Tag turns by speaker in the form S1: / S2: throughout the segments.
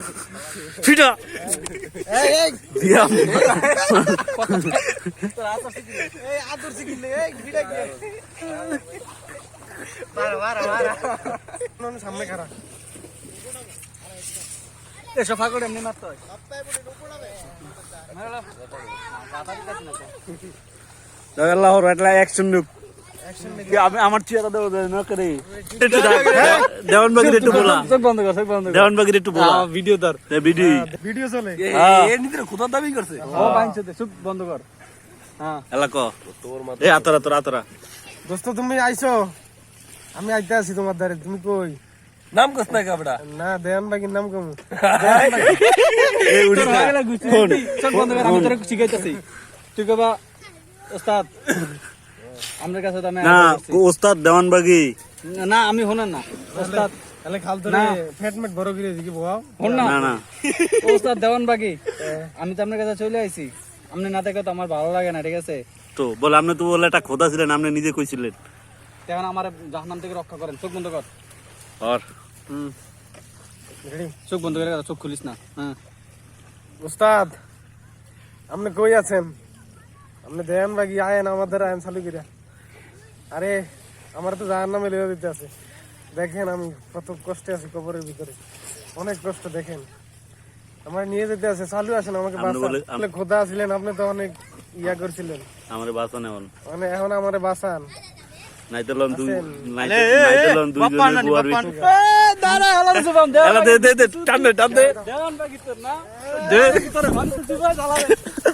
S1: ফিটা দিয়া
S2: সামনে খারা
S3: সোফা করে এমনি মারতে হয়
S1: আল্লাহর একটা অ্যাকশন লুক আমার চেহারা দেবো না করে দেওয়ান বাগির একটু বলা
S3: চোখ বন্ধ কর
S1: দেওয়ান বাগির একটু বলা
S3: ভিডিও ধর
S1: ভিডিও
S2: ভিডিও চলে
S3: এর নিতে কোথাও দাবি করছে ও বাইনছে চোখ বন্ধ কর হ্যাঁ
S1: এলা ক এ আতরা
S2: দোস্ত তুমি আইছো আমি আইতে আছি তোমার দ্বারে তুমি কই
S3: নাম কস না কাবড়া
S2: না দেয়ান বাগির নাম কম
S1: এই উড়ি
S3: চোখ বন্ধ কর আমি তোরে শিখাইতেছি তুই কবা ওস্তাদ আমার কাছে তো আমি
S1: না ওস্তাদ দেওয়ান বাগি
S3: না আমি হনেন না ওস্তাদ
S2: তাহলে খাল ধরে ফ্যাটমেট বড় করে দিকে বাও
S3: হন না
S1: না
S3: ওস্তাদ দেওয়ান বাগি আমি তো আপনার কাছে চলে আইছি আপনি না দেখে তো আমার ভালো লাগে না ঠিক আছে
S1: তো বলে আপনি তো বলে একটা খোদা ছিলেন আপনি নিজে কইছিলেন
S3: এখন আমার জাহান্নাম থেকে রক্ষা করেন চোখ বন্ধ কর
S1: আর
S2: রেডি
S3: চোখ বন্ধ করে চোখ খুলিস না হ্যাঁ
S2: উস্তাদ আপনি কই আছেন আপনি দেয়ান বাগি আয়েন আমাদের আয়েন চালু করিয়া আরে আমার তো জাহান্নামে লেগে দিতে আছে দেখেন আমি কত কষ্টে আছি কবরের ভিতরে অনেক কষ্ট দেখেন আমার নিয়ে যেতে আছে চালু আসেন আমাকে বাঁচান খোদা ছিলেন আপনি তো অনেক ইয়া করছিলেন
S1: আমারে বাঁচান এখন
S2: মানে এখন আমারে বাঁচান
S1: নাইতে লন দুই নাইতে লন দুই জনের বুয়ার ভিতর
S3: দাঁড়া হলো জবান দে
S1: এলা দে টান দে
S3: দেওয়ান বাগি তোর না
S1: দে
S3: তোর মানুষ জুবা জ্বালাবে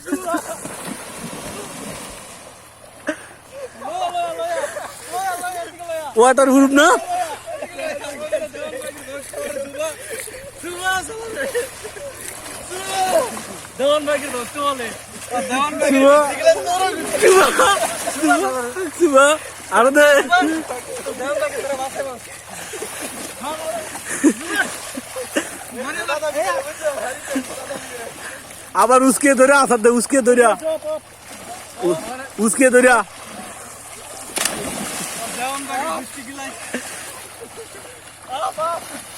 S1: ওয়াটার প্রুফ না
S3: দেওয়ান বাগি দোস্ত বলে দেওয়ান
S1: সুবা আর দে
S3: দেওয়ান বাগি তোর বাসে বাস
S1: আবার উসকে ধরে আসার দে উসকে ধরে
S3: দেওয়ান বাগি মিষ্টি গিলাই